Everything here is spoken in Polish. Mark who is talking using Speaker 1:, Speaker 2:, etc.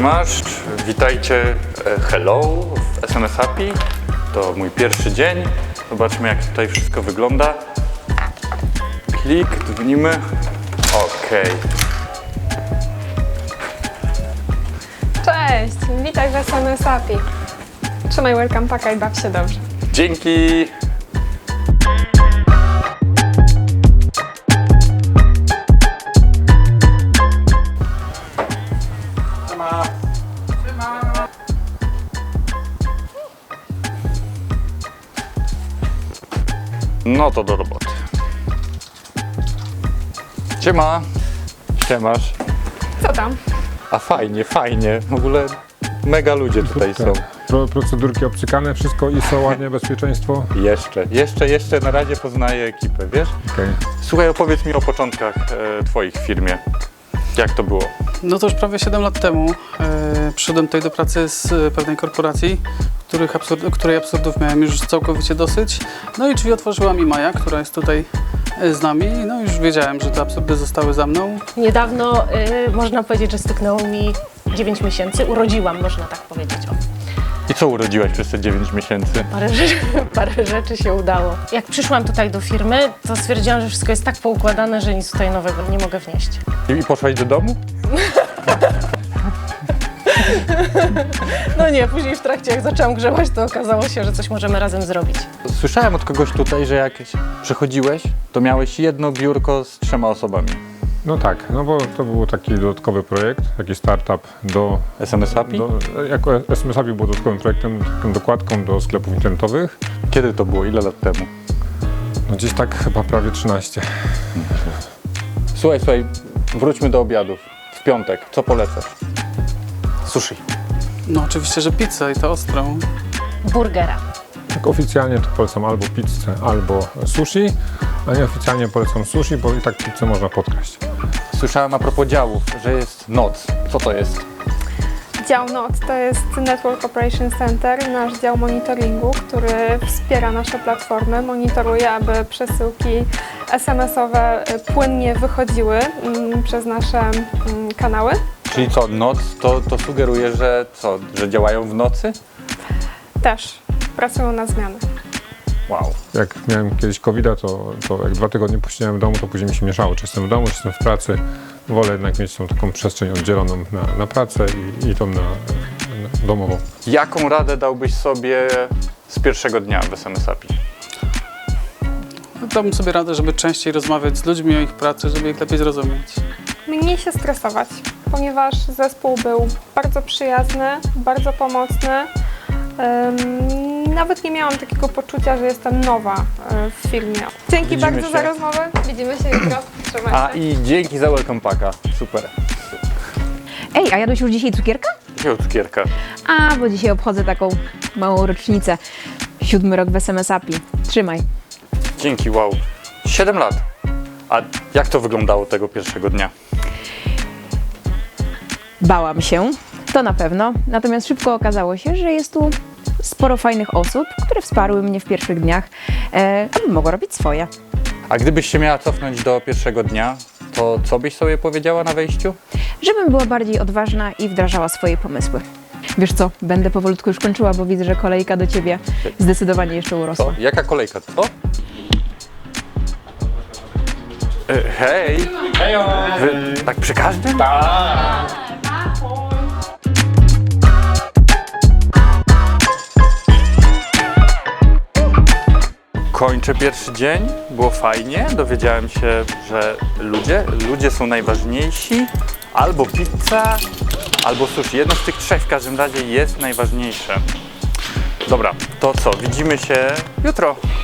Speaker 1: Siemasz, witajcie, hello w SMS Happy. To mój pierwszy dzień. Zobaczmy, jak tutaj wszystko wygląda. Klik, dzwonimy. Okej.
Speaker 2: Cześć, witaj w SMS Happy. Trzymaj welcome packa i baw się dobrze.
Speaker 1: Dzięki! No to do roboty. Siema. Siemasz.
Speaker 2: Co tam?
Speaker 1: A fajnie, fajnie. W ogóle mega ludzie tutaj są.
Speaker 3: Procedurki obcykane, wszystko ISO, ładnie, bezpieczeństwo.
Speaker 1: Jeszcze na razie poznaję ekipę, wiesz?
Speaker 3: Okay.
Speaker 1: Słuchaj, opowiedz mi o początkach twoich w firmie. Jak to było?
Speaker 4: No to już prawie 7 lat temu przyszedłem tutaj do pracy z pewnej korporacji, której absurdów miałem już całkowicie dosyć. No i drzwi otworzyła mi Maja, która jest tutaj z nami. No już wiedziałem, że te absurdy zostały za mną.
Speaker 5: Niedawno można powiedzieć, że styknęło mi 9 miesięcy. Urodziłam, można tak powiedzieć. O.
Speaker 1: I co urodziłaś przez te 9 miesięcy?
Speaker 5: Parę rzeczy się udało. Jak przyszłam tutaj do firmy, to stwierdziłam, że wszystko jest tak poukładane, że nic tutaj nowego nie mogę wnieść.
Speaker 1: I poszłaś do domu?
Speaker 5: No nie, później w trakcie jak zaczęłam grzebać, to okazało się, że coś możemy razem zrobić.
Speaker 1: Słyszałem od kogoś tutaj, że jak przychodziłeś, to miałeś jedno biurko z 3 osobami.
Speaker 3: No tak, no bo to był taki dodatkowy projekt, taki startup do
Speaker 1: SMS Happy?
Speaker 3: Jako SMS Happy był dodatkowym projektem, taką dokładką do sklepów internetowych.
Speaker 1: Kiedy to było? Ile lat temu?
Speaker 3: No gdzieś tak chyba prawie 13.
Speaker 1: Słuchaj, wróćmy do obiadów. W piątek, co polecasz? Sushi.
Speaker 4: No oczywiście, że pizzę i to ostrą.
Speaker 5: Burgera.
Speaker 3: Tak oficjalnie to polecam albo pizzę, albo sushi, a nieoficjalnie polecam sushi, bo i tak pizzę można podkraść.
Speaker 1: Słyszałem a propos działów, że jest noc. Co to jest?
Speaker 2: Dział NOC to jest Network Operation Center, nasz dział monitoringu, który wspiera nasze platformy, monitoruje, aby przesyłki SMS-owe płynnie wychodziły przez nasze kanały.
Speaker 1: Czyli co, noc to sugeruje, że co, że działają w nocy?
Speaker 2: Też pracują na zmianę.
Speaker 1: Wow.
Speaker 3: Jak miałem kiedyś COVID-a, to jak 2 tygodnie posiedziałem w domu, to później mi się mieszało, czy jestem w domu, czy jestem w pracy. Wolę jednak mieć tą taką przestrzeń oddzieloną na pracę i tą na domową.
Speaker 1: Jaką radę dałbyś sobie z pierwszego dnia w SMS Happy?
Speaker 4: Dałbym sobie radę, żeby częściej rozmawiać z ludźmi o ich pracy, żeby ich lepiej zrozumieć.
Speaker 2: Mniej się stresować, ponieważ zespół był bardzo przyjazny, bardzo pomocny. Nawet nie miałam takiego poczucia, że jestem nowa w firmie. Dzięki
Speaker 1: Widzimy
Speaker 2: bardzo
Speaker 1: się.
Speaker 2: za rozmowę. Widzimy się jutro. Trzymaj się.
Speaker 1: A i dzięki za welcome packa. Super.
Speaker 6: Ej, a jadłeś już dzisiaj cukierka?
Speaker 1: Jakiego cukierka?
Speaker 6: A, bo dzisiaj obchodzę taką małą rocznicę. 7. rok w SMS Happy. Trzymaj.
Speaker 1: Dzięki, wow. 7 lat. A jak to wyglądało tego pierwszego dnia?
Speaker 6: Bałam się, to na pewno. Natomiast szybko okazało się, że jest tu sporo fajnych osób, które wsparły mnie w pierwszych dniach, abym mogła robić swoje.
Speaker 1: A gdybyś się miała cofnąć do pierwszego dnia, to co byś sobie powiedziała na wejściu?
Speaker 6: Żebym była bardziej odważna i wdrażała swoje pomysły. Wiesz co, będę powolutku już kończyła, bo widzę, że kolejka do ciebie zdecydowanie jeszcze urosła.
Speaker 1: Co? Jaka kolejka? Co? Hej! Hejo! Wy tak przy każdym? Kończę pierwszy dzień, było fajnie, dowiedziałem się, że ludzie są najważniejsi, albo pizza, albo sushi. Jedno z tych 3 w każdym razie jest najważniejsze. Dobra, to co, widzimy się jutro.